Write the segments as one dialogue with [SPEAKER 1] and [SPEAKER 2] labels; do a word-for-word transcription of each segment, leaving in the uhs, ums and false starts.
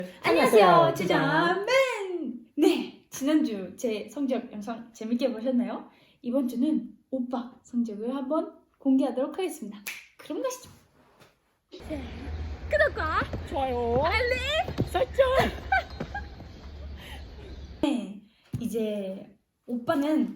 [SPEAKER 1] 안녕하세요, 주자맨! 네, 지난주 제 성적 영상 재밌게 보셨나요? 이번 주는 오빠 성적을 한번 공개하도록 하겠습니다. 그럼 가시죠. 구독과
[SPEAKER 2] 좋아요,
[SPEAKER 1] 알림
[SPEAKER 2] 설정.
[SPEAKER 1] 네, 이제 오빠는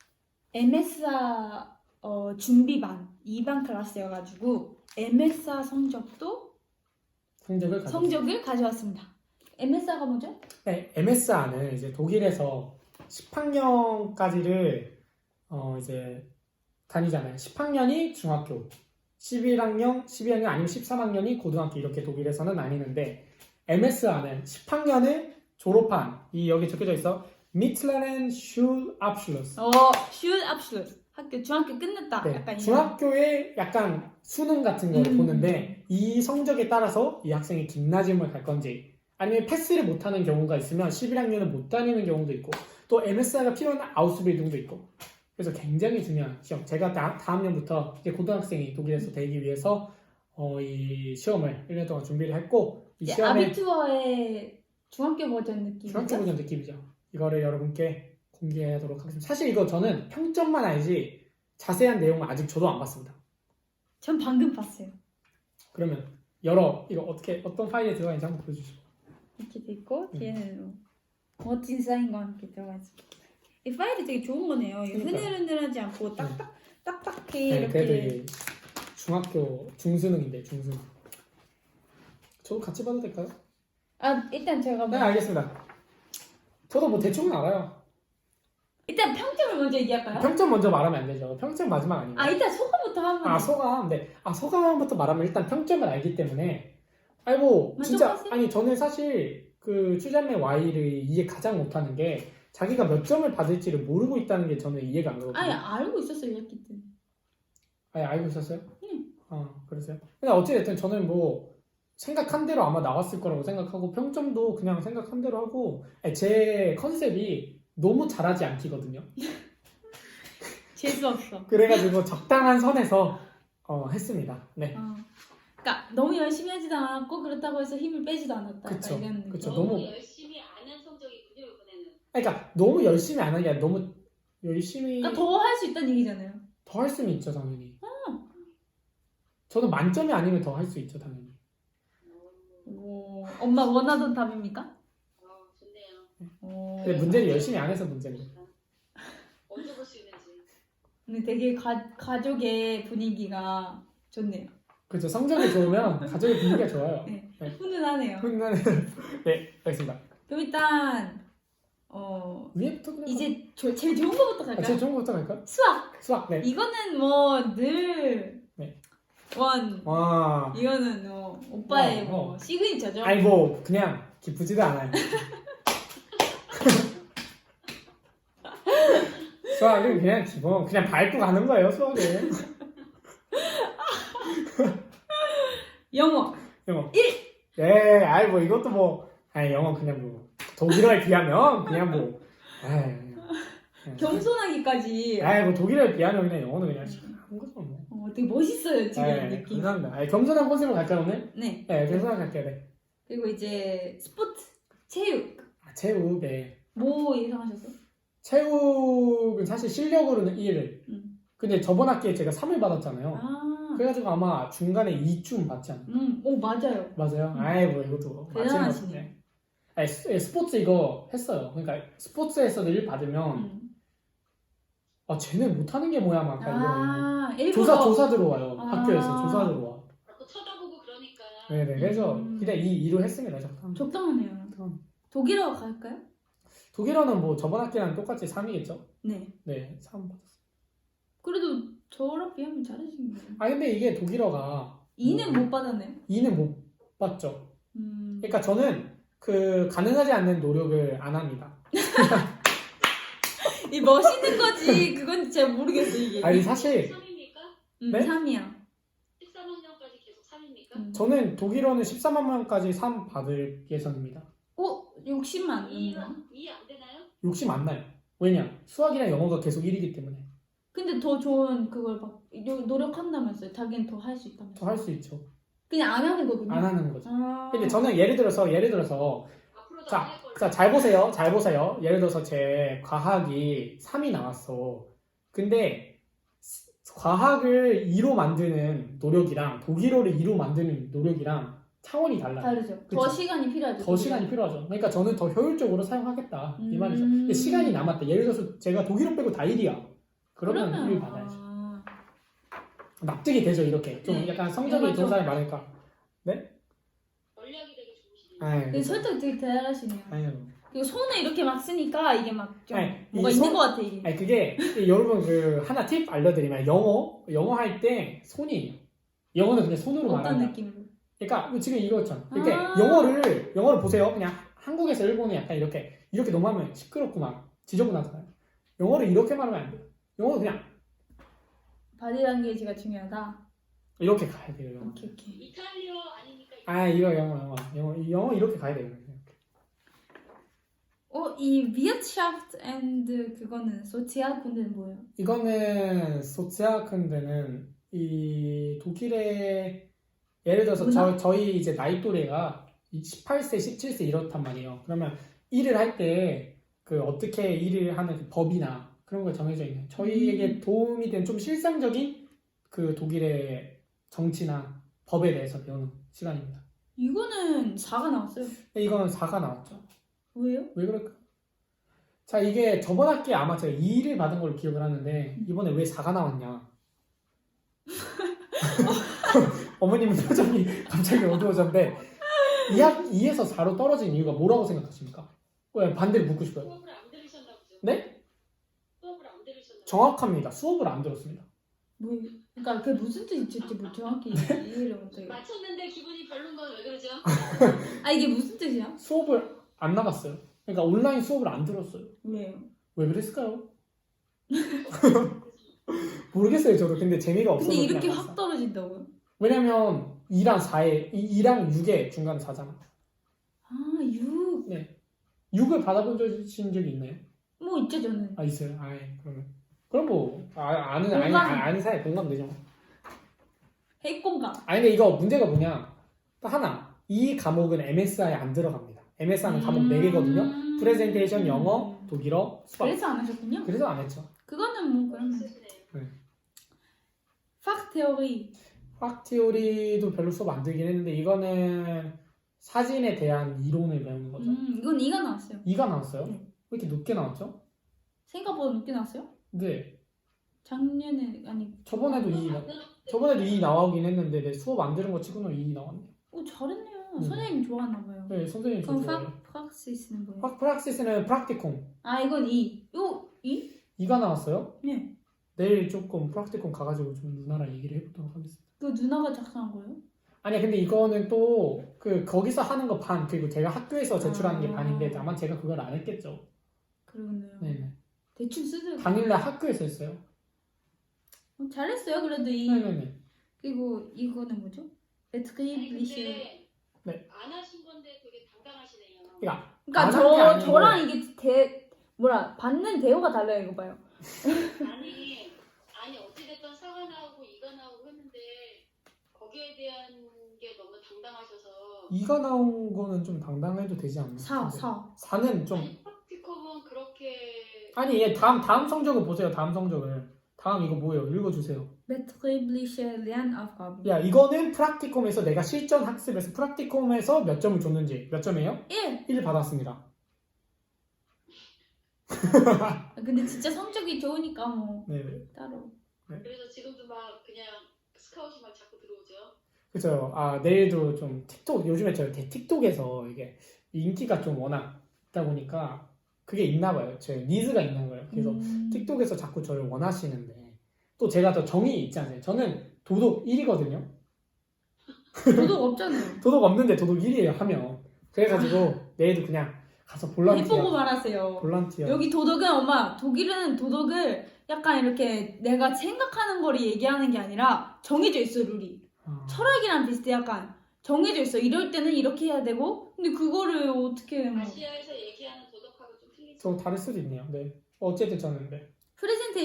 [SPEAKER 1] 엠에스아 어, 준비반 이 반 클래스여가지고 엠에스아 성적도
[SPEAKER 2] 성적을 가져.
[SPEAKER 1] 성적을 가져왔습니다. 엠에스아가 뭐죠?
[SPEAKER 2] 네, 엠에스아는 이제 독일에서 십 학년까지를 어 이제 다니잖아요. 십 학년이 중학교, 십일 학년, 십이 학년 아니면 십삼 학년이 고등학교 이렇게 독일에서는 나뉘는데 엠에스아는 십 학년을 졸업한 이 여기 적혀져 있어 Mittleren Schulabschluss.
[SPEAKER 1] 어, 슈 압슐 학교 중학교 끝냈다.
[SPEAKER 2] 네,
[SPEAKER 1] 약간 이런.
[SPEAKER 2] 중학교에 약간 수능 같은 걸
[SPEAKER 1] 음.
[SPEAKER 2] 보는데 이 성적에 따라서 이 학생이 김나지움을 갈 건지 아니면 패스를 못하는 경우가 있으면 십일 학년은 못 다니는 경우도 있고 또 엠에스아이가 필요한 아우스빌딩도 있고 그래서 굉장히 중요한 시험. 제가 다, 다음 년부터 이제 고등학생이 독일에서 되기 위해서 어, 이 시험을 일 년 동안 준비를 했고 이
[SPEAKER 1] 이제
[SPEAKER 2] 시험에
[SPEAKER 1] 아비투어의 중학교 버전 느낌이죠?
[SPEAKER 2] 중학교 버전 느낌이죠. 이거를 여러분께 공개하도록 하겠습니다. 사실 이거 저는 평점만 알지 자세한 내용은 아직 저도 안 봤습니다.
[SPEAKER 1] 전 방금 봤어요.
[SPEAKER 2] 그러면 열어 이거 어떻게 어떤 파일에 들어가 있는지 한번 보여주시고.
[SPEAKER 1] 이렇게 돼 있고
[SPEAKER 2] 음.
[SPEAKER 1] 뒤에는 뭐 멋진 사인과 함께 들어가 있어. 이 파일이 되게 좋은 거네요. 이거
[SPEAKER 2] 그러니까요.
[SPEAKER 1] 흐늘흐늘하지 않고 딱딱 딱딱해
[SPEAKER 2] 네,
[SPEAKER 1] 이렇게.
[SPEAKER 2] 그래도 이 중학교 중수능인데 중수능. 저도 같이 봐도 될까요?
[SPEAKER 1] 아 일단 제가
[SPEAKER 2] 네
[SPEAKER 1] 뭐
[SPEAKER 2] 알겠습니다. 저도 뭐 대충은 알아요.
[SPEAKER 1] 일단 평점을 먼저 얘기할까요?
[SPEAKER 2] 평점 먼저 말하면 안 되죠. 평점 마지막 아니에요.
[SPEAKER 1] 아 일단 소감부터 하면.
[SPEAKER 2] 아 소감. 네. 아 소감부터 말하면 일단 평점을 알기 때문에 아니 뭐 진짜
[SPEAKER 1] 만족하세요?
[SPEAKER 2] 아니 저는 사실 그 추자매 Y를 이해 가장 못하는 게 자기가 몇 점을 받을지를 모르고 있다는 게 저는 이해가 안 가거든요.
[SPEAKER 1] 아니 알고 있었어요 이랬기 때문에.
[SPEAKER 2] 아니 알고 있었어요?
[SPEAKER 1] 응.
[SPEAKER 2] 아 그러세요? 근데 어찌됐든 저는 뭐 생각한 대로 아마 나왔을 거라고 생각하고 평점도 그냥 생각한 대로 하고 아니, 제 컨셉이 너무 잘하지 않기거든요.
[SPEAKER 1] 재수 없어.
[SPEAKER 2] 그래가지고 적당한 선에서 어, 했습니다. 네.
[SPEAKER 1] 어. 그러니까 너무 열심히 하지도 않았고 그렇다고 해서 힘을 빼지도 않았다.
[SPEAKER 2] 그쵸,
[SPEAKER 1] 약간 이런 느낌.
[SPEAKER 2] 그쵸.
[SPEAKER 3] 너무,
[SPEAKER 2] 너무-
[SPEAKER 3] 열심히 안 한 성적이군요 이번에는.
[SPEAKER 2] 그러니까 너무 열심히 안 하는 게 아니라 너무 열심히
[SPEAKER 1] 그러니까 더 할 수 있다는 얘기잖아요.
[SPEAKER 2] 더 할 수는 있죠 당연히. 저는 만점이 아니면 더 할 수 있죠 당연히.
[SPEAKER 1] 오, 엄마 원하던 답입니까?
[SPEAKER 3] 어, 좋네요.
[SPEAKER 1] 오.
[SPEAKER 2] 근데 문제는 열심히 안 해서 문제인데.
[SPEAKER 3] 언제 볼 수 있는지.
[SPEAKER 1] 근데 되게 가, 가족의 분위기가 좋네요.
[SPEAKER 2] 그렇죠. 성적이 좋으면 가족의 분위기가 좋아요.
[SPEAKER 1] 네.
[SPEAKER 2] 네.
[SPEAKER 1] 훈훈하네요.
[SPEAKER 2] 훈훈한 네 알겠습니다.
[SPEAKER 1] 그럼 일단 어
[SPEAKER 2] 위에부터 그냥
[SPEAKER 1] 이제 조, 제일 좋은 거부터
[SPEAKER 2] 아,
[SPEAKER 1] 갈까요?
[SPEAKER 2] 제일 좋은 거부터 갈까요?
[SPEAKER 1] 수학.
[SPEAKER 2] 수학. 네.
[SPEAKER 1] 이거는 뭐늘
[SPEAKER 2] 네.
[SPEAKER 1] 원.
[SPEAKER 2] 와.
[SPEAKER 1] 이거는 뭐 오빠의
[SPEAKER 2] 어,
[SPEAKER 1] 뭐
[SPEAKER 2] 어.
[SPEAKER 1] 시그니처죠.
[SPEAKER 2] 아니 뭐 그냥 기쁘지도 않아요. 수학은 그냥 기본 그냥 밟고 가는 거예요 수학은.
[SPEAKER 1] 영어.
[SPEAKER 2] 영어.
[SPEAKER 1] 일.
[SPEAKER 2] 예, 아이 뭐 이것도 뭐 아니 영어 그냥 뭐 독일어에 비하면 그냥 뭐 아이 그냥-
[SPEAKER 1] 겸손하기까지.
[SPEAKER 2] 아이 뭐 독일어에 비하면 그냥 영어는 그냥 한 거죠 뭐.
[SPEAKER 1] 어, 되게 멋있어요 지금
[SPEAKER 2] 네,
[SPEAKER 1] 느낌.
[SPEAKER 2] 감사합니다. 아니, 겸손한 컨셉으로 갈까요 오늘?
[SPEAKER 1] 네.
[SPEAKER 2] 네, 겸손한 갈게요. 네.
[SPEAKER 1] 그리고 이제 스포츠, 체육.
[SPEAKER 2] 아, 체육, 네.
[SPEAKER 1] 뭐 예상하셨어요?
[SPEAKER 2] 체육은 사실 실력으로는 일.
[SPEAKER 1] 음.
[SPEAKER 2] 근데 저번 학기에 제가 삼을 받았잖아요.
[SPEAKER 1] 아.
[SPEAKER 2] 그래가지고 아마 중간에 이쯤 받지 않나.
[SPEAKER 1] 음. 오 맞아요.
[SPEAKER 2] 맞아요?
[SPEAKER 1] 음.
[SPEAKER 2] 아이 뭐 이것도
[SPEAKER 1] 대단하시네요.
[SPEAKER 2] 맞지. 아니 스, 예, 스포츠 이거 했어요. 그러니까 스포츠에서도 일 받으면
[SPEAKER 1] 음.
[SPEAKER 2] 아 쟤네 못하는 게 뭐야 막 이런
[SPEAKER 1] 아 일부러.
[SPEAKER 2] 조사 조사 들어와요.
[SPEAKER 1] 아.
[SPEAKER 2] 학교에서 조사 들어와.
[SPEAKER 3] 자꾸 쳐다보고 그러니까.
[SPEAKER 2] 네네 그래서
[SPEAKER 1] 음.
[SPEAKER 2] 그냥 이 이로 했습니다. 적당.
[SPEAKER 1] 적당하네요.
[SPEAKER 2] 적당.
[SPEAKER 1] 독일어 갈까요?
[SPEAKER 2] 독일어는 뭐 저번 학기랑 똑같이 삼이겠죠?
[SPEAKER 1] 네.
[SPEAKER 2] 네, 삼 받았어요.
[SPEAKER 1] 그래도 저랑 비하면 잘하신 거예요.
[SPEAKER 2] 아 근데 이게 독일어가
[SPEAKER 1] 이는
[SPEAKER 2] 뭐,
[SPEAKER 1] 못 받았네요.
[SPEAKER 2] 이는 못 받죠.
[SPEAKER 1] 음.
[SPEAKER 2] 그러니까 저는 그 가능하지 않는 노력을 안 합니다.
[SPEAKER 1] 이 멋있는 거지. 그건 잘 모르겠어 이게.
[SPEAKER 2] 아니 사실
[SPEAKER 3] 삼입니까?
[SPEAKER 1] 음,
[SPEAKER 2] 네?
[SPEAKER 1] 삼이야.
[SPEAKER 3] 십삼 학년까지 계속 삼입니까?
[SPEAKER 1] 음.
[SPEAKER 2] 저는 독일어는 십삼만 명까지 삼 받을 예정입니다.
[SPEAKER 1] 어? 욕심만 안
[SPEAKER 3] 이해
[SPEAKER 1] 나.
[SPEAKER 3] 이해 안 되나요?
[SPEAKER 2] 욕심 안 나요. 왜냐? 수학이랑 영어가 계속 일이기 때문에
[SPEAKER 1] 근데 더 좋은 그걸 막 요- 노력한다면서요. 자기는 더 할 수 있다면서.
[SPEAKER 2] 더 할 수 있죠.
[SPEAKER 1] 그냥 안 하는 거군요.
[SPEAKER 2] 안 하는 거죠.
[SPEAKER 1] 아.
[SPEAKER 2] 근데 저는 예를 들어서 예를 들어서
[SPEAKER 3] 앞으로도
[SPEAKER 2] 자,
[SPEAKER 3] 안 할 거예요.
[SPEAKER 2] 자, 잘 보세요. 잘 보세요. 예를 들어서 제 과학이 삼이 나왔어. 근데 스- 과학을 이로 만드는 노력이랑 독일어를 이로 만드는 노력이랑 차원이 달라요.
[SPEAKER 1] 다르죠.
[SPEAKER 2] 그쵸?
[SPEAKER 1] 더 시간이 필요하죠.
[SPEAKER 2] 더 시간이 필요하죠. 그러니까 저는 더 효율적으로 사용하겠다. 이 말이죠.
[SPEAKER 1] 음.
[SPEAKER 2] 근데 시간이 남았다. 예를 들어서 제가 독일어 빼고 다 일이야. 그러면 일 받아야죠.
[SPEAKER 1] 아.
[SPEAKER 2] 납득이 되죠. 이렇게. 좀
[SPEAKER 1] 네.
[SPEAKER 2] 약간 성적이
[SPEAKER 1] 맞아.
[SPEAKER 2] 좋은 사람이 많으니까.
[SPEAKER 3] 전략이 되게 좋으시네요.
[SPEAKER 2] 아이,
[SPEAKER 1] 근데 설득 되게 대단하시네요.
[SPEAKER 2] 아니요.
[SPEAKER 1] 그리고 손을 이렇게 막 쓰니까 이게 막 좀
[SPEAKER 2] 아니,
[SPEAKER 1] 뭐가
[SPEAKER 2] 이
[SPEAKER 1] 있는
[SPEAKER 2] 손-
[SPEAKER 1] 것 같아 이게.
[SPEAKER 2] 아니 그게 여러분 그 하나 팁 알려드리면 영어 영어 할 때 손이에요. 영어는 그냥 손으로
[SPEAKER 1] 어떤
[SPEAKER 2] 말한다.
[SPEAKER 1] 느낌으로?
[SPEAKER 2] 그러니까 지금 이거잖아. 이렇게
[SPEAKER 1] 아.
[SPEAKER 2] 영어를 영어를 보세요. 그냥 한국에서 일본은 약간 이렇게 이렇게 너무 하면 시끄럽고 막 지저분하잖아요. 영어를 이렇게 말하면 안 돼요. 영어는 그냥
[SPEAKER 1] 바디language가 중요하다.
[SPEAKER 2] 이렇게 가야 돼요. 영어.
[SPEAKER 1] 오케이 오케이.
[SPEAKER 3] 이탈리아 아니니까
[SPEAKER 2] 아 이거 영어 영어 영어 이 영어 이렇게 가야 돼요. 이렇게.
[SPEAKER 1] 어, 이 Wirtschaft and 그거는 소치아군대는 뭐예요?
[SPEAKER 2] 이거는 소치아큰데는 이 독일의 예를 들어서
[SPEAKER 1] 문화?
[SPEAKER 2] 저, 저희 이제 나이 또래가 십팔 세, 십칠 세 이렇단 말이에요. 그러면 일을 할 때 그 어떻게 일을 하는 그 법이나 그런 걸 정해져 있는 저희에게
[SPEAKER 1] 음.
[SPEAKER 2] 도움이 된 좀 실생적인 그 독일의 정치나 법에 대해서 배우는 시간입니다.
[SPEAKER 1] 이거는 사가 나왔어요.
[SPEAKER 2] 근데 이거는 사가 나왔죠.
[SPEAKER 1] 왜요?
[SPEAKER 2] 왜 그럴까? 자, 이게 저번 학기에 아마 제가 이를 받은 걸로 기억을 하는데 이번에 왜 사가 나왔냐? 어머님 표정이 갑자기 어두워졌는데 이 학 이에서 사로 떨어진 이유가 뭐라고 생각하십니까? 왜 반대를 묻고 싶어요?
[SPEAKER 3] 수업을 안 들으셨나 보죠?
[SPEAKER 2] 네?
[SPEAKER 3] 수업을 안 들으셨나 보죠?
[SPEAKER 2] 정확합니다. 수업을 안 들었습니다.
[SPEAKER 1] 뭐 그러니까 그게 무슨 뜻인지 뭐 정확히 이해를 못해요.
[SPEAKER 3] 맞췄는데 기분이 별론 건 왜 그러죠?
[SPEAKER 1] 아 이게 무슨 뜻이야?
[SPEAKER 2] 수업을 안 나갔어요. 그러니까 온라인 수업을 안 들었어요.
[SPEAKER 1] 왜요?
[SPEAKER 2] 왜 그랬을까요? 모르겠어요, 저도. 근데 재미가 없어서
[SPEAKER 1] 근데
[SPEAKER 2] 그냥
[SPEAKER 1] 이렇게
[SPEAKER 2] 갔어요.
[SPEAKER 1] 확 떨어진다고요?
[SPEAKER 2] 왜냐면 이랑 사에 이랑 육의 중간 사잖아.
[SPEAKER 1] 아 육.
[SPEAKER 2] 육을 받아본 적- 적이 있나요?
[SPEAKER 1] 뭐 있죠 저는.
[SPEAKER 2] 아 있어요. 아 그러면 그럼 뭐 아, 아는 아는
[SPEAKER 1] 공감.
[SPEAKER 2] 아는 사이 공감되죠.
[SPEAKER 1] 핵공감.
[SPEAKER 2] 아니 근데 이거 문제가 뭐냐? 딱 하나 이 과목은 엠에스아이에 안 들어갑니다. 엠에스아이는 과목 네 개거든요.
[SPEAKER 1] 음.
[SPEAKER 2] 프레젠테이션, 영어, 독일어, 수학.
[SPEAKER 1] 그래서 안 하셨군요.
[SPEAKER 2] 그래서 안 했죠.
[SPEAKER 1] 그거는 뭐 그러면.
[SPEAKER 3] 쓰시네요.
[SPEAKER 1] 팍 테오리.
[SPEAKER 2] 화학 티오리도 별로 수업 안 들긴 했는데 이거는 사진에 대한 이론을 배우는 거죠.
[SPEAKER 1] 음 이건 이가 나왔어요.
[SPEAKER 2] 이가 나왔어요?
[SPEAKER 1] 네.
[SPEAKER 2] 왜 이렇게 높게 나왔죠?
[SPEAKER 1] 생각보다 높게 나왔어요?
[SPEAKER 2] 네.
[SPEAKER 1] 작년에 아니.
[SPEAKER 2] 저번에도 이 저번에도 이 나오긴 했는데 내 수업 안 들은 거 치고는 이 나왔네.
[SPEAKER 1] 오 잘했네요.
[SPEAKER 2] 음.
[SPEAKER 1] 선생님 좋아하나 봐요.
[SPEAKER 2] 네, 선생님 저
[SPEAKER 1] 그럼
[SPEAKER 2] 좋아해요.
[SPEAKER 1] 팍 프락시스는 뭐예요?
[SPEAKER 2] 화 프락시스는 프락티콤.
[SPEAKER 1] 아 이건 이. 요 이?
[SPEAKER 2] 이가 나왔어요?
[SPEAKER 1] 네.
[SPEAKER 2] 내일 조금 프락티콤 가가지고 좀 누나랑 얘기를 해보도록 하겠습니다.
[SPEAKER 1] 그 누나가 작성한 거예요?
[SPEAKER 2] 아니야 근데 이거는 또 그 거기서 하는 거 반 그리고 제가 학교에서 제출하는 게
[SPEAKER 1] 아.
[SPEAKER 2] 반인데 다만 제가 그걸 안 했겠죠.
[SPEAKER 1] 그러네요.
[SPEAKER 2] 네네.
[SPEAKER 1] 대충 쓰죠.
[SPEAKER 2] 당일날 학교에서 했어요.
[SPEAKER 1] 어, 잘했어요. 그래도 이
[SPEAKER 2] 네네네.
[SPEAKER 1] 그리고 이거는 뭐죠?
[SPEAKER 3] 아니
[SPEAKER 1] 베트크리블리시.
[SPEAKER 3] 근데
[SPEAKER 2] 네.
[SPEAKER 3] 안 하신 건데 되게 당당하시네요.
[SPEAKER 2] 그러니까
[SPEAKER 1] 그러니까
[SPEAKER 2] 안
[SPEAKER 1] 저
[SPEAKER 2] 한게 아니고.
[SPEAKER 1] 저랑 이게 대 뭐라 받는 대우가 달라요. 이거 봐요.
[SPEAKER 3] 아니 아니 어찌됐든 사가 나오고 이가 나오고 했는데 거기에 대한 게 너무 당당하셔서
[SPEAKER 2] 이가 나온 거는 좀 당당해도 되지 않나?
[SPEAKER 1] 사
[SPEAKER 2] 근데
[SPEAKER 1] 사.
[SPEAKER 2] 사는 좀
[SPEAKER 3] 아니 프락티컴은 그렇게
[SPEAKER 2] 아니 얘 다음 다음 성적을 보세요. 다음 성적을 다음 이거 뭐예요? 읽어주세요.
[SPEAKER 1] 베트크리블리시 렌아프가브.
[SPEAKER 2] 야 이거는 프락티콤에서 내가 실전 학습에서 프락티콤에서 몇 점을 줬는지 몇 점이에요?
[SPEAKER 1] 일.
[SPEAKER 2] 일 받았습니다.
[SPEAKER 1] 아, 근데 진짜 성적이 좋으니까 뭐
[SPEAKER 2] 네네.
[SPEAKER 1] 따로.
[SPEAKER 3] 그래서 지금도 막 그냥 스카웃이 막 자꾸 들어오죠.
[SPEAKER 2] 그죠. 아 내일도 좀 틱톡 요즘에 저 틱톡에서 이게 인기가 좀 워낙 있다 보니까 그게 있나 봐요. 제 니즈가 있는 거예요. 그래서
[SPEAKER 1] 음.
[SPEAKER 2] 틱톡에서 자꾸 저를 원하시는데 또 제가 더 정이 있지 않아요? 저는 도덕 일이거든요.
[SPEAKER 1] 도덕 없잖아요.
[SPEAKER 2] 도덕 없는데 도덕 일이에요 하면 그래가지고 내일도 그냥 가서
[SPEAKER 1] 해보고
[SPEAKER 2] 볼런티어
[SPEAKER 1] 말하세요.
[SPEAKER 2] 볼런티어
[SPEAKER 1] 여기 도덕은 엄마 독일은 도덕을 약간 이렇게 내가 생각하는 거를 얘기하는 게 아니라 정해져 있어 룰이.
[SPEAKER 2] 아,
[SPEAKER 1] 철학이랑 비슷해. 약간 정해져 있어. 이럴 때는 이렇게 해야 되고 근데 그거를 어떻게 뭐
[SPEAKER 3] 아시아에서 얘기하는 도덕하고 좀 틀리죠.
[SPEAKER 2] 좀 다를 수도 있네요. 네. 어쨌든 저는 네.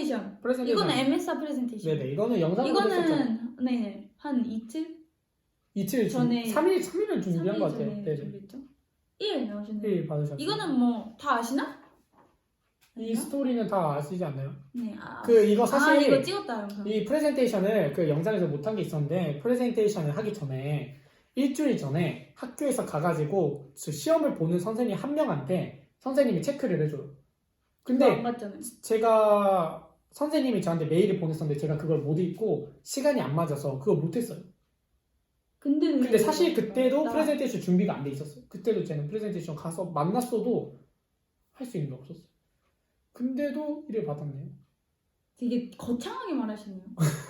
[SPEAKER 1] 프레젠테이션.
[SPEAKER 2] 프레젠테이션
[SPEAKER 1] 이거는 엠에스아 프레젠테이션.
[SPEAKER 2] 네네 이거는 영상으로 했었잖아요.
[SPEAKER 1] 이거는 네네 한 이틀?
[SPEAKER 2] 이틀 준
[SPEAKER 1] 전에
[SPEAKER 2] 삼 일 삼 일을 준비한 것
[SPEAKER 1] 삼 일
[SPEAKER 2] 같아요.
[SPEAKER 1] 전에
[SPEAKER 2] 네, 네.
[SPEAKER 1] 준비했죠? 일 나오셨네요.
[SPEAKER 2] 일 받으셨어요.
[SPEAKER 1] 이거는 뭐 다 아시나?
[SPEAKER 2] 이
[SPEAKER 1] 아닌가?
[SPEAKER 2] 스토리는 다 아시지 않나요?
[SPEAKER 1] 네. 아,
[SPEAKER 2] 그 이거 사실
[SPEAKER 1] 아 이거 찍었다 영상.
[SPEAKER 2] 이 프레젠테이션을 그 영상에서 못한 게 있었는데 프레젠테이션을 하기 전에 일주일 전에 학교에서 가가지고 그 시험을 보는 선생님 한 명한테 선생님이 체크를 해줘요. 근데
[SPEAKER 1] 안 갔잖아요.
[SPEAKER 2] 제가 선생님이 저한테 메일을 보냈었는데 제가 그걸 못 읽고 시간이 안 맞아서 그걸 못했어요.
[SPEAKER 1] 근데
[SPEAKER 2] 근데 사실 그때도
[SPEAKER 1] 나-
[SPEAKER 2] 프레젠테이션 준비가 안 돼 있었어요. 그때도 저는 프레젠테이션 가서 만났어도 할 수 있는 게 없었어요. 근데도 일을 받았네요.
[SPEAKER 1] 되게 거창하게 말하시네요.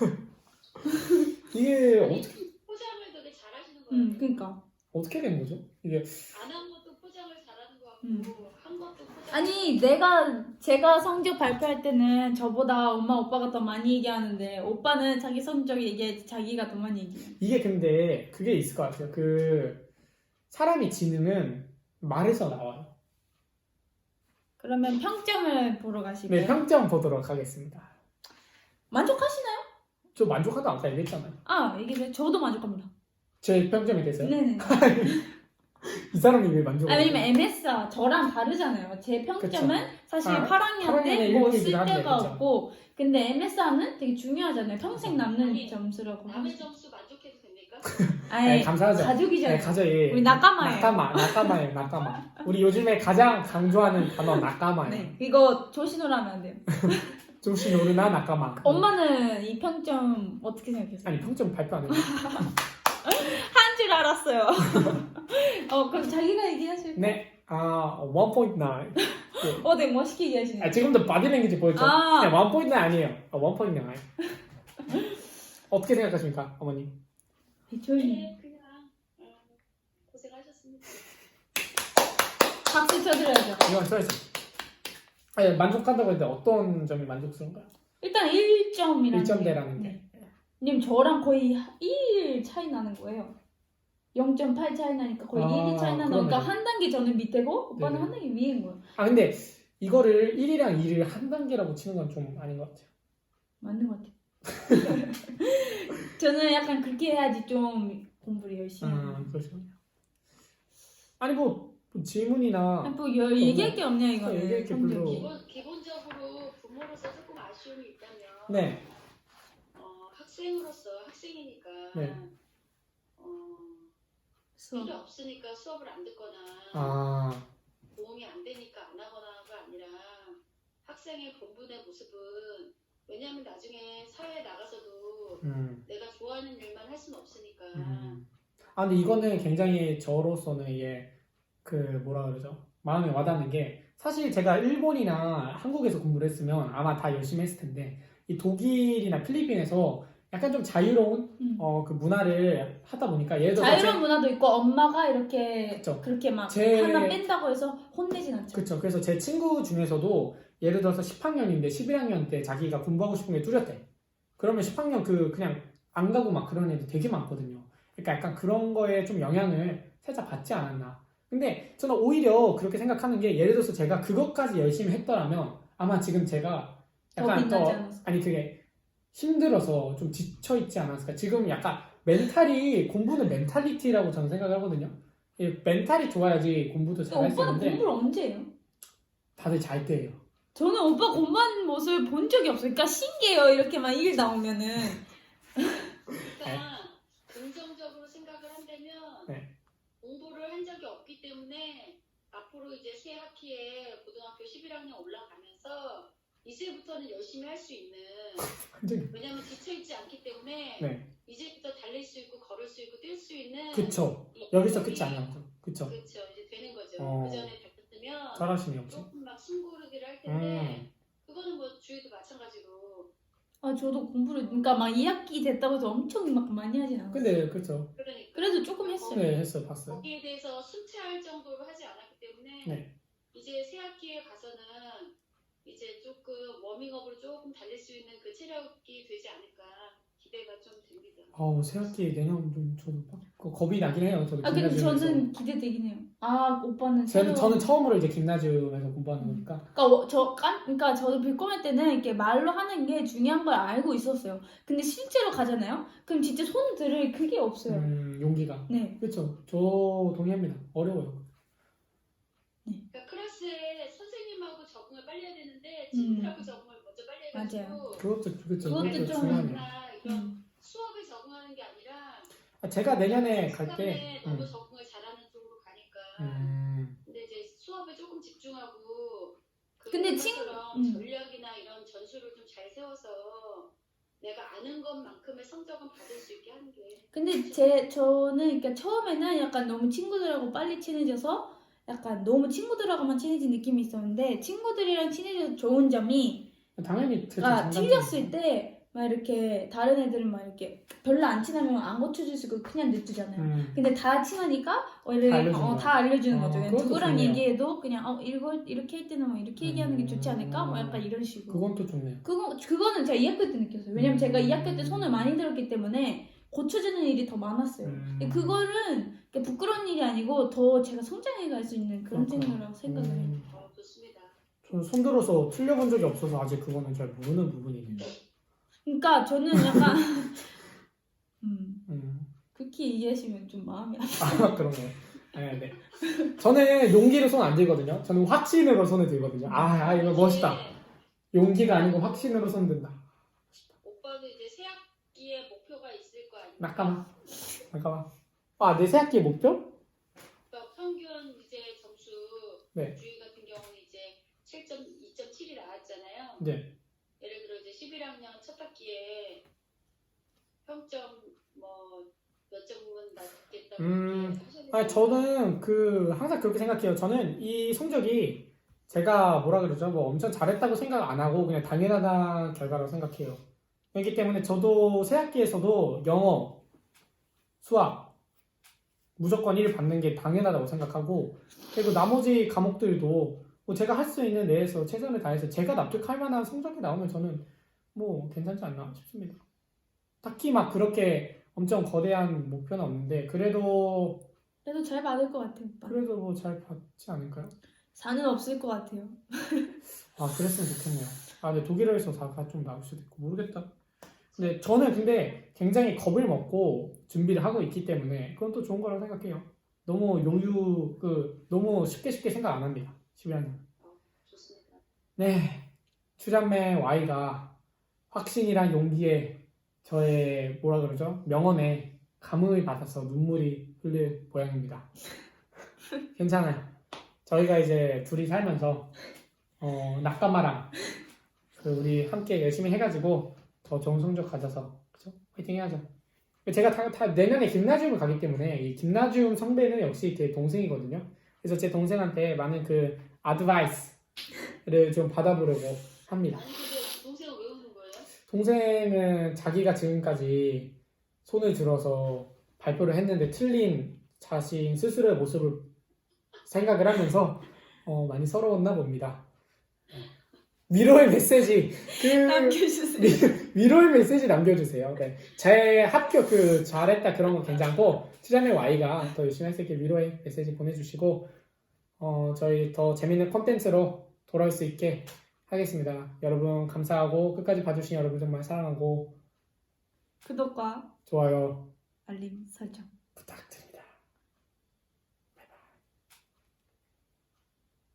[SPEAKER 2] 이게
[SPEAKER 3] 아니,
[SPEAKER 2] 어떻게
[SPEAKER 3] 포장을 되게 잘하시는 거예요.
[SPEAKER 1] 음, 그러니까.
[SPEAKER 2] 어떻게 된 거죠? 이게
[SPEAKER 3] 안 한 것도 포장을 잘하는 것 같고
[SPEAKER 1] 음.
[SPEAKER 3] 한 것도 포장.
[SPEAKER 1] 아니 내가 제가 성적 발표할 때는 저보다 엄마 오빠가 더 많이 얘기하는데 오빠는 자기 성적 얘기할 때 자기가 더 많이 얘기해요.
[SPEAKER 2] 이게 근데 그게 있을 것 같아요. 그 사람이 지능은 말에서 나와요.
[SPEAKER 1] 그러면 평점을 보러 가실까요?
[SPEAKER 2] 네, 평점 보도록 하겠습니다.
[SPEAKER 1] 만족하시나요?
[SPEAKER 2] 저 만족하다 아까 얘기했잖아요.
[SPEAKER 1] 아 이게 저도 만족합니다.
[SPEAKER 2] 제 평점이 됐어요?
[SPEAKER 1] 네네.
[SPEAKER 2] 이 사람이 왜 만족을
[SPEAKER 1] 아
[SPEAKER 2] 해요?
[SPEAKER 1] 왜냐면 엠에스가 저랑 다르잖아요. 제 평점은 사실
[SPEAKER 2] 아,
[SPEAKER 1] 팔 학년
[SPEAKER 2] 팔 학년에
[SPEAKER 1] 때 뭐
[SPEAKER 2] 일본이긴
[SPEAKER 1] 쓸
[SPEAKER 2] 한데,
[SPEAKER 1] 데가
[SPEAKER 2] 그쵸.
[SPEAKER 1] 없고 근데 엠에스는 되게 중요하잖아요. 평생 남는
[SPEAKER 3] 아니,
[SPEAKER 1] 점수라고
[SPEAKER 3] 남의
[SPEAKER 1] 하죠.
[SPEAKER 3] 점수 만족해도 됩니까?
[SPEAKER 1] 아니
[SPEAKER 2] 네, 감사하죠.
[SPEAKER 1] 가족이잖아요.
[SPEAKER 2] 네, 가져, 예.
[SPEAKER 1] 우리 낙가마예요.
[SPEAKER 2] 낙가마, 낙가마예요, 낙가마. 우리 요즘에 가장 강조하는 단어 낙가마예요.
[SPEAKER 1] 네 이거 조신호로 하면 안 돼요.
[SPEAKER 2] 조시 노르나 낙가마.
[SPEAKER 1] 엄마는 이 평점 어떻게 생각했어요?
[SPEAKER 2] 아니 평점 발표 안 했어요.
[SPEAKER 1] 한 줄 알았어요. 어 그럼 자기가 얘기하실까요?
[SPEAKER 2] 네, 아 일 포인트 나인.
[SPEAKER 1] 어, 네 멋있게 얘기하시네요.
[SPEAKER 2] 아, 지금도 바디랭귀지 보였죠?
[SPEAKER 1] 아.
[SPEAKER 2] 네, 일 포인트 나인 아니에요. 아, 일 포인트 나인. 어떻게 생각하십니까, 어머니?
[SPEAKER 1] 배철님
[SPEAKER 3] 네, 그냥 음, 고생하셨습니다.
[SPEAKER 1] 박수 쳐드려야죠.
[SPEAKER 2] 이건 써야죠. 아니, 만족한다고 했는데 어떤 점이 만족스러운가요?
[SPEAKER 1] 일단 일 점이라는
[SPEAKER 2] 일 점대라는 게.
[SPEAKER 1] 님 저랑 거의 일 차이 나는 거예요. 영 점 팔 차이 나니까 거의
[SPEAKER 2] 아,
[SPEAKER 1] 일 차이 나는
[SPEAKER 2] 그러네요.
[SPEAKER 1] 거니까 한 단계 저는 밑에고 오빠는
[SPEAKER 2] 네네.
[SPEAKER 1] 한 단계 위인 거예요.
[SPEAKER 2] 아 근데 이거를 일이랑 이를 한 단계라고 치는 건 좀 아닌 것 같아요.
[SPEAKER 1] 맞는 것 같아요. 저는 약간 그렇게 해야지 좀 공부를 열심히
[SPEAKER 2] 아
[SPEAKER 1] 하고.
[SPEAKER 2] 그러시군요. 아니 뭐, 뭐 질문이나
[SPEAKER 1] 아니, 뭐 여, 얘기할 게 없냐 이거는.
[SPEAKER 2] 얘기할 게
[SPEAKER 1] 성적이.
[SPEAKER 2] 별로-
[SPEAKER 3] 기본 기본적으로 부모로서 조금 아쉬움이 있다면
[SPEAKER 2] 네,
[SPEAKER 3] 어, 학생으로서 학생이니까
[SPEAKER 2] 네.
[SPEAKER 3] 어,
[SPEAKER 1] 수업.
[SPEAKER 3] 필요 없으니까 수업을 안 듣거나
[SPEAKER 2] 아
[SPEAKER 3] 도움이 안 되니까 안 하거나가 아니라 학생의 본분의 모습은 왜냐하면 나중에 사회에 나가서도
[SPEAKER 2] 음.
[SPEAKER 3] 내가 좋아하는 일만 할 수는 없으니까
[SPEAKER 2] 음. 아 근데 이거는 굉장히 저로서는 이게 그 뭐라 그러죠? 마음에 와닿는 게 사실 제가 일본이나 한국에서 공부를 했으면 아마 다 열심히 했을 텐데 이 독일이나 필리핀에서 약간 좀 자유로운
[SPEAKER 1] 음.
[SPEAKER 2] 어, 그 문화를 하다 보니까 예를 들어서
[SPEAKER 1] 자유로운
[SPEAKER 2] 제-
[SPEAKER 1] 문화도 있고 엄마가 이렇게
[SPEAKER 2] 그쵸.
[SPEAKER 1] 그렇게 막
[SPEAKER 2] 제-
[SPEAKER 1] 하나 뺀다고 해서 혼내진 않죠.
[SPEAKER 2] 그쵸. 그래서 제 친구 중에서도 예를 들어서 십 학년인데 십일 학년 때 자기가 공부하고 싶은 게 뚜렷해. 그러면 십 학년 그 그냥 안 가고 막 그런 애들 되게 많거든요. 그러니까 약간 그런 거에 좀 영향을 살짝 받지 않았나. 근데 저는 오히려 그렇게 생각하는 게 예를 들어서 제가 그것까지 열심히 했더라면 아마 지금 제가
[SPEAKER 1] 더
[SPEAKER 2] 약간
[SPEAKER 1] 빛나지
[SPEAKER 2] 더
[SPEAKER 1] 않았을까?
[SPEAKER 2] 아니 그게 힘들어서 좀 지쳐 있지 않았을까. 지금 약간 멘탈이 공부는 멘탈리티라고 저는 생각을 하거든요. 이 멘탈이 좋아야지 공부도 잘 할 수
[SPEAKER 1] 오빠는
[SPEAKER 2] 있는데
[SPEAKER 1] 공부를 언제 해요?
[SPEAKER 2] 다들 잘 때예요.
[SPEAKER 1] 저는 오빠 공부하는 모습을 본 적이 없어요. 그러니까 신기해요. 이렇게만 일 나오면은.
[SPEAKER 3] 그러니까 긍정적으로 생각을 한다면
[SPEAKER 2] 네.
[SPEAKER 3] 공부를 한 적이 없기 때문에 앞으로 이제 새 학기에 고등학교 십일 학년 올라가면서 이제부터는 열심히 할 수 있는
[SPEAKER 2] 완전히.
[SPEAKER 3] 왜냐면 지쳐있지 않기 때문에
[SPEAKER 2] 네.
[SPEAKER 3] 이제부터 달릴 수 있고 걸을 수 있고 뛸 수 있는
[SPEAKER 2] 그쵸.
[SPEAKER 3] 이-
[SPEAKER 2] 여기서
[SPEAKER 3] 이-
[SPEAKER 2] 끝이 아니었죠. 그쵸.
[SPEAKER 3] 그쵸 이제 되는 거죠.
[SPEAKER 2] 어.
[SPEAKER 3] 그 전에 뱉었으면
[SPEAKER 2] 잘하시네요, 역시.
[SPEAKER 3] 조금 막 숨고르기를 할 텐데
[SPEAKER 2] 음.
[SPEAKER 3] 그거는 뭐 주위도 마찬가지로
[SPEAKER 1] 아 저도 공부를 그러니까 막 이 학기 됐다고 해서 엄청 막 많이 하진 않았어요.
[SPEAKER 2] 근데 그쵸.
[SPEAKER 3] 그러니까
[SPEAKER 1] 그래도 조금 했어요.
[SPEAKER 2] 네, 했어요. 봤어요.
[SPEAKER 3] 거기에 대해서 순차할 정도로 하지 않았기 때문에
[SPEAKER 2] 네.
[SPEAKER 3] 이제 새 학기에 가서는 이제 조금 워밍업으로 조금 달릴 수 있는 그 체력이 되지 않을까 기대가 좀 됩니다.
[SPEAKER 2] 아우, 새 학기 내년 좀 저도 빡 그 겁이 나긴 해요. 저도
[SPEAKER 1] 아 근데
[SPEAKER 2] 김나지움에서.
[SPEAKER 1] 저는 기대되긴 해요. 아 오빠는
[SPEAKER 2] 저는,
[SPEAKER 1] 새로운-
[SPEAKER 2] 저는 처음으로 이제 김나지움에서 공부하는
[SPEAKER 1] 음.
[SPEAKER 2] 거니까.
[SPEAKER 1] 그러니까 워- 저 깐, 그러니까 저도 빌코메 때는 이렇게 말로 하는 게 중요한 걸 알고 있었어요. 근데 실제로 가잖아요. 그럼 진짜 손 들을 그게 없어요.
[SPEAKER 2] 음, 용기가.
[SPEAKER 1] 네.
[SPEAKER 2] 그렇죠. 저 동의합니다. 어려워요.
[SPEAKER 3] 그러니까 클래스에 선생님하고 적응을 빨리 해야 되는데
[SPEAKER 1] 음.
[SPEAKER 3] 친구들하고 적응을 먼저 빨리 해가지고
[SPEAKER 1] 맞아요.
[SPEAKER 2] 그것도 그렇죠.
[SPEAKER 1] 그것도
[SPEAKER 2] 그것도
[SPEAKER 1] 좀-
[SPEAKER 2] 중요하네요.
[SPEAKER 3] 나 이런
[SPEAKER 1] 음.
[SPEAKER 3] 수업에 적응하는 게 아니라
[SPEAKER 2] 아, 제가 내년에 갈
[SPEAKER 3] 시간에
[SPEAKER 2] 때.
[SPEAKER 3] 너무
[SPEAKER 2] 음.
[SPEAKER 3] 적응을 잘하는 쪽으로 가니까
[SPEAKER 2] 음.
[SPEAKER 3] 근데 이제 수업에 조금 집중하고 그
[SPEAKER 1] 근데 친-
[SPEAKER 3] 것처럼
[SPEAKER 1] 음.
[SPEAKER 3] 전략이나 이런 전술을 좀 잘 세워서 내가 아는 것만큼의 성적은 받을 수 있게 하는 게
[SPEAKER 1] 근데 제 저는 그러니까 처음에는 약간 너무 친구들하고 빨리 친해져서 약간 너무 친구들하고만 친해진 느낌이 있었는데 친구들이랑 친해져서 좋은 점이
[SPEAKER 2] 당연히 그렇죠.
[SPEAKER 1] 아
[SPEAKER 2] 장단점이
[SPEAKER 1] 틀렸을 때 막 이렇게 다른 애들은 막 이렇게 별로 안 친하면 안 고쳐줄 수 있고 그냥 냅두잖아요.
[SPEAKER 2] 음.
[SPEAKER 1] 근데 다 친하니까 원래
[SPEAKER 2] 다 알려주는
[SPEAKER 1] 어,
[SPEAKER 2] 거야.
[SPEAKER 1] 다 알려주는
[SPEAKER 2] 어,
[SPEAKER 1] 거죠. 그냥
[SPEAKER 2] 그것도
[SPEAKER 1] 누구랑
[SPEAKER 2] 좋네요.
[SPEAKER 1] 얘기해도 그냥 어 이거 이렇게 할 때는 막 이렇게 얘기하는 게 좋지 않을까? 뭐 약간 이런 식으로.
[SPEAKER 2] 그건 또 좋네요.
[SPEAKER 1] 그거 그거는 제가 이 학교 때 느꼈어요. 왜냐면
[SPEAKER 2] 음.
[SPEAKER 1] 제가 이 학교 때 손을 많이 들었기 때문에 고쳐주는 일이 더 많았어요.
[SPEAKER 2] 음.
[SPEAKER 1] 근데 그거는 그러니까 부끄러운 일이 아니고 더 제가 성장해 갈 수 있는 그런
[SPEAKER 2] 그렇구나.
[SPEAKER 1] 생각이라고 생각을 해요.
[SPEAKER 2] 음.
[SPEAKER 3] 어, 좋습니다.
[SPEAKER 2] 저는 손들어서 틀려본 적이 없어서 아직 그거는 잘 모르는 부분이네요.
[SPEAKER 1] 그러니까 저는 약간 음,
[SPEAKER 2] 음.
[SPEAKER 1] 그렇게 얘기하시면 좀 마음이 안
[SPEAKER 2] 아, 그런가요? 네, 네. 저는 용기로 손 안 들거든요. 저는 확신으로 손을 들거든요. 아, 아 이거 멋있다.
[SPEAKER 3] 이제
[SPEAKER 2] 용기가 아니고 확신으로 손 든다.
[SPEAKER 3] 오빠도 이제 새 학기에 목표가 있을 거 아니에요?
[SPEAKER 2] 잠깐만. 잠깐만. 아, 내 새학기 목표?
[SPEAKER 3] 그러니까 평균 이제 점수
[SPEAKER 2] 네.
[SPEAKER 3] 주의 같은 경우는 이제 칠 점 이 점 칠이 나왔잖아요.
[SPEAKER 2] 네.
[SPEAKER 3] 예를 들어 이제 십일 학년 첫 학기에 평점 뭐 몇 점은 낮겠다고
[SPEAKER 2] 음,
[SPEAKER 3] 이렇게 하셔야 되잖아요.
[SPEAKER 2] 아, 저는 그 항상 그렇게 생각해요. 저는 이 성적이 제가 뭐라 그러죠? 뭐 엄청 잘했다고 생각 안 하고 그냥 당연하다 결과라고 생각해요. 그렇기 때문에 저도 새 학기에서도 영어, 수학 무조건 일 받는 게 당연하다고 생각하고 그리고 나머지 과목들도 뭐 제가 할 수 있는 내에서 최선을 다해서 제가 납득할 만한 성적이 나오면 저는 뭐 괜찮지 않나 싶습니다. 딱히 막 그렇게 엄청 거대한 목표는 없는데 그래도
[SPEAKER 1] 그래도 잘 받을 것 같아요, 오빠.
[SPEAKER 2] 그래도 뭐 잘 받지 않을까요?
[SPEAKER 1] 사는 없을 것 같아요.
[SPEAKER 2] 아 그랬으면 좋겠네요. 아 근데 독일어에서 사가 좀 나올 수도 있고 모르겠다. 근데 저는 근데 굉장히 겁을 먹고 준비를 하고 있기 때문에 그건 또 좋은 거라고 생각해요. 너무 요유 그 너무 쉽게 쉽게 생각 안 합니다. 십일 학년.
[SPEAKER 3] 좋습니다.
[SPEAKER 2] 네, 추잔매 Y가 확신이란 용기에 저의 뭐라 그러죠? 명언에 감흥을 받아서 눈물이 흘릴 모양입니다. 괜찮아요. 저희가 이제 둘이 살면서 어, 낙가마랑 그 우리 함께 열심히 해가지고 더 좋은 성적 가져서 그죠? 화이팅 해야죠. 제가 다, 다 내년에 김나지움을 가기 때문에 이 김나지움 선배는 역시 제 동생이거든요. 그래서 제 동생한테 많은 그 아드바이스를 좀 받아보려고 합니다.
[SPEAKER 3] 아니 근데 동생은 왜 우는 거예요?
[SPEAKER 2] 동생은 자기가 지금까지 손을 들어서 발표를 했는데 틀린 자신 스스로의 모습을 생각을 하면서 어, 많이 서러웠나 봅니다. 위로의 메시지 그
[SPEAKER 1] 남겨주세요.
[SPEAKER 2] 위- 위로의 메시지 남겨주세요. 네. 제 합격 그 잘했다 그런 건 괜찮고 추자매 Y가 더 열심히 할 수 있게 위로의 메시지 보내주시고 어, 저희 더 재밌는 콘텐츠로 돌아올 수 있게 하겠습니다. 여러분 감사하고 끝까지 봐주신 여러분 정말 사랑하고
[SPEAKER 1] 구독과
[SPEAKER 2] 좋아요
[SPEAKER 1] 알림 설정.
[SPEAKER 2] 부탁드립니다.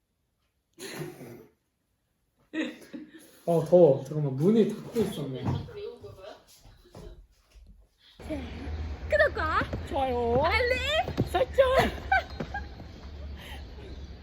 [SPEAKER 2] 바이바이. 어 더워. 잠깐만 문이 닫고 있었네.